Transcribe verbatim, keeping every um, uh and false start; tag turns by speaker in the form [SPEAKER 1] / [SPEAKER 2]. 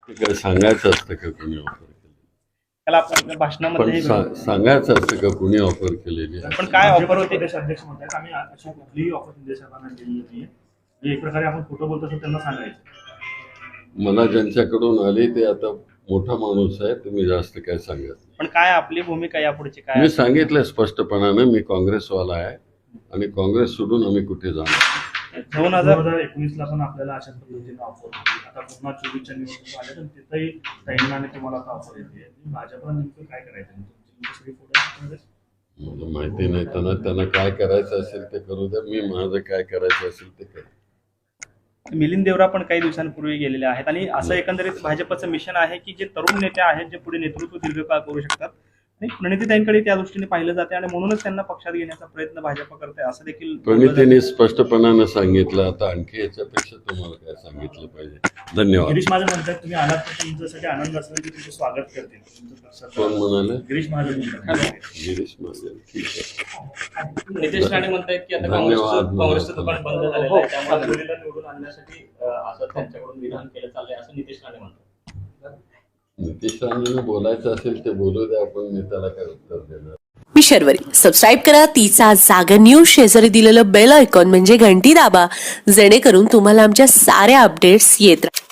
[SPEAKER 1] काय सांगायचं असतं का कोणी ऑफर केली?
[SPEAKER 2] त्याला आपण भाषणामध्ये
[SPEAKER 1] पण सा- सांगायचं असतं का कोणी ऑफर केलेली आहे?
[SPEAKER 2] पण काय ऑफर होते?
[SPEAKER 3] प्रदेश अध्यक्ष म्हणतात आम्ही अशी कुठलीही ऑफर देशांना दिलेली नाहीये. म्हणजे एक प्रकारे आपण खोटं बोलतो असं त्यांना सांगायचं.
[SPEAKER 1] मला ज्यांच्याकडून आली ते आता मोठा माणूस आहे, तुम्ही जास्त काय सांगत नाही.
[SPEAKER 2] पण काय आपली भूमिका यापुढची काय
[SPEAKER 1] मी
[SPEAKER 2] असेल?
[SPEAKER 1] सांगितलं स्पष्टपणानं, मी काँग्रेसवाला आहे आणि काँग्रेस सोडून आम्ही कुठे जाणार नाही.
[SPEAKER 2] दोन
[SPEAKER 3] दोन
[SPEAKER 2] हजार
[SPEAKER 3] हजार एकोणीस ला पण आपल्याला अशाच पद्धतीने ऑफर होती. आता पुन्हा चोवीसच्या निवडणुका आल्या तर तिथंही ताईंना आणि तुम्हाला आता ऑफर येते. भाजपला नेमकं काय करायचं? तुमची सगळी फोटो
[SPEAKER 1] मला माहिती नाही, त्यांना त्यांना काय करायचं असेल ते करू द्या, मी माझं काय करायचं असेल ते करेन.
[SPEAKER 2] मिलिंद देवरा पण काही दिवसांपूर्वी गेलेले आहेत आणि असं एकंदरीत भाजपचं मिशन आहे की जे तरुण नेते आहेत जे पुढे नेतृत्व दीर्घकाळ करू शकतात आणि प्रणितीताईंकडे त्या दृष्टीने पाहिलं जाते आणि म्हणूनच त्यांना पक्षात घेण्याचा प्रयत्न भाजप करते असं देखील
[SPEAKER 1] प्रणितीने स्पष्टपणे सांगितलं. आता आणखी याच्यापेक्षा तुम्हाला काय सांगितलं पाहिजे? धन्यवाद.
[SPEAKER 3] गिरीश महाजन म्हणतात तुम्ही आलात तर तुमच्यासाठी आनंद असेल की तुमचं स्वागत करतील. तुमचं पक्षाचं-
[SPEAKER 1] कोण म्हणाले?
[SPEAKER 3] गिरीश महाजन म्हणतात.
[SPEAKER 1] गिरीश महाजन. ठीक आहे.
[SPEAKER 2] नितेश राणे म्हणतायत की आता
[SPEAKER 1] धन्यवाद.
[SPEAKER 2] काँग्रेसचं काँग्रेसचं दुकान बंद झालेलं आहे त्यामुळे मुलीला निवडून आणण्यासाठी अं, असं त्यांच्याकडून विधान केलं चाललंय असं नितेश राणे म्हणतात.
[SPEAKER 1] नितीश राणेंना बोलायचं असेल ते बोलू द्या, आपण मी त्याला काय उत्तर देणार?
[SPEAKER 4] मी शर्वरी. सबस्क्राईब करा तिचा जागर न्यूज. शेजारी दिलेलं बेल आयकॉन म्हणजे घंटी दाबा, जेणेकरून तुम्हाला आमच्या साऱ्या अपडेट्स येत राहतील.